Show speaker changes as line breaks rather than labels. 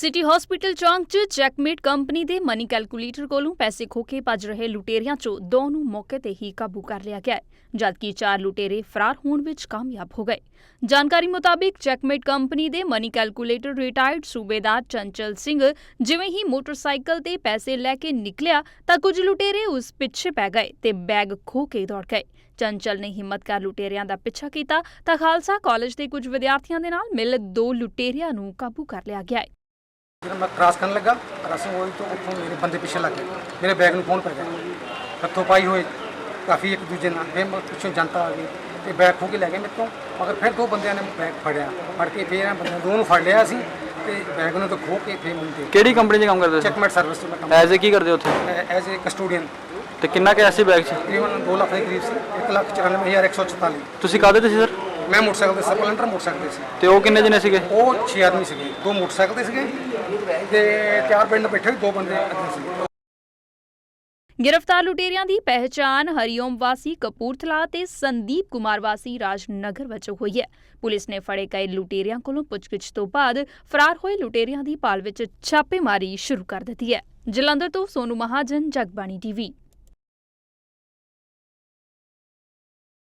City hospital ਚੌਂਕ 'ਚ Checkmate company ਦੇ ਮਨੀ ਕੈਲਕੂਲੇਟਰ ਕੋਲੋਂ ਪੈਸੇ ਖੋਹ ਕੇ ਭੱਜ ਰਹੇ ਲੁਟੇਰਿਆਂ 'ਚੋਂ 2 ਨੂੰ ਮੌਕੇ ਤੇ ਹੀ ਕਾਬੂ ਕਰ ਲਿਆ ਗਿਆ ਹੈ, ਜਦਕਿ 4 ਲੁਟੇਰੇ ਫਰਾਰ ਹੋਣ ਵਿੱਚ ਕਾਮਯਾਬ ਹੋ ਗਏ। ਜਾਣਕਾਰੀ ਮੁਤਾਬਿਕ ਚੈਕਮੇਟ ਕੰਪਨੀ ਦੇ ਮਨੀ ਕੈਲਕੂਲੇਟਰ ਰਿਟਾਇਰਡ ਸੂਬੇਦਾਰ ਚੰਚਲ ਸਿੰਘ ਜਿਵੇਂ ਹੀ ਮੋਟਰਸਾਈਕਲ ਤੇ ਪੈਸੇ ਲੈ ਕੇ ਨਿਕਲਿਆ ਤਾਂ ਕੁਝ ਲੁਟੇਰੇ ਉਸ ਪਿੱਛੇ ਪੈ ਗਏ ਤੇ ਬੈਗ ਖੋਹ ਕੇ ਦੌੜ ਗਏ। ਚੰਚਲ ਨੇ ਹਿੰਮਤ ਕਰ ਲੁਟੇਰਿਆਂ ਦਾ ਪਿੱਛਾ ਕੀਤਾ ਤਾਂ ਖਾਲਸਾ ਕਾਲਜ ਦੇ ਕੁਝ ਵਿਦਿਆਰਥੀਆਂ ਦੇ ਨਾਲ ਮਿਲ 2 ਲੁਟੇਰਿਆਂ ਨੂੰ ਕਾਬੂ ਕਰ ਲਿਆ ਗਿਆ ਹੈ।
जब मैं क्रॉस करने लगा क्रॉसिंग हुई तो उतों मेरे बंदे पीछे लग गए, मेरे बैग में फोन पै गया, हथों पाई हुए काफ़ी एक दूजे नाल फिर मैं पिछों जनता आ गई तो बैग खो के लै गए मेरे तो, मगर फिर 2 बंदियां ने बैग फड़िया फड़ के फिर बंदे 2 ਨੂੰ ਫੜ ਲਿਆ ਸੀ ਤੇ बैग ਨੂੰ ਤਾਂ ਖੋ ਕੇ ਫਿਰ ਮੈਨੂੰ ਦੇ।
ਕਿਹੜੀ ਕੰਪਨੀ 'ਚ ਕੰਮ ਕਰਦੇ ਸੀ?
ਚੈਕਮੇਟ ਸਰਵਿਸ 'ਚ ਮੈਂ ਕੰਮ
ਐਜ਼ ਏ ਕੀ ਕਰਦੇ ਉੱਥੇ?
As a custodian.
ਤੇ ਕਿੰਨਾ ਕੈਸ਼ ਸੀ ਬੈਗ 'ਚ?
ਤਕਰੀਬਨ 2 ਲੱਖ ਦੇ ਕਰੀਬ ਸੀ, 1,94,144।
ਤੁਸੀਂ ਕਾਹਦੇ ਤੇ ਸੀ ਸਰ?
ਮੈਂ ਮੋਟਰਸਾਈਕਲ ਤੇ ਸਪਲੈਂਡਰ ਮੋਟਰਸਾਈਕਲ ਤੇ ਸੀ।
ਤੇ ਉਹ ਕਿੰਨੇ ਜਣੇ ਸੀਗੇ?
ਉਹ 6 ਆਦਮੀ ਸੀਗੇ, 2 ਮੋਟਰਸਾਈਕਲ ਤੇ ਸੀਗੇ ਤੇ 4 ਪਿੰਡ ਬੈਠੇ 2 ਬੰਦੇ ਅੱਗੇ ਸੀ।
गिरफ्तार लुटेरियां ਦੀ ਪਹਿਚਾਣ ਹਰੀਓਮ ਵਾਸੀ ਕਪੂਰਥਲਾ ਤੇ ਸੰਦੀਪ ਕੁਮਾਰ ਵਾਸੀ ਰਾਜਨਗਰ ਵਜੋਂ ਹੋਈ ਹੈ। ਪੁਲਿਸ ਨੇ ਫੜੇ ਗਏ ਲੁਟੇਰਿਆਂ ਕੋਲੋਂ ਪੁੱਛਗਿੱਛ ਤੋਂ ਬਾਅਦ ਫਰਾਰ ਹੋਏ ਲੁਟੇਰਿਆਂ ਦੀ ਭਾਲ ਵਿੱਚ ਛਾਪੇਮਾਰੀ ਸ਼ੁਰੂ ਕਰ ਦਿੱਤੀ ਹੈ। ਜਲੰਧਰ ਤੋਂ ਸੋਨੂ ਮਹਾਜਨ, ਜਗਬਾਣੀ ਟੀਵੀ।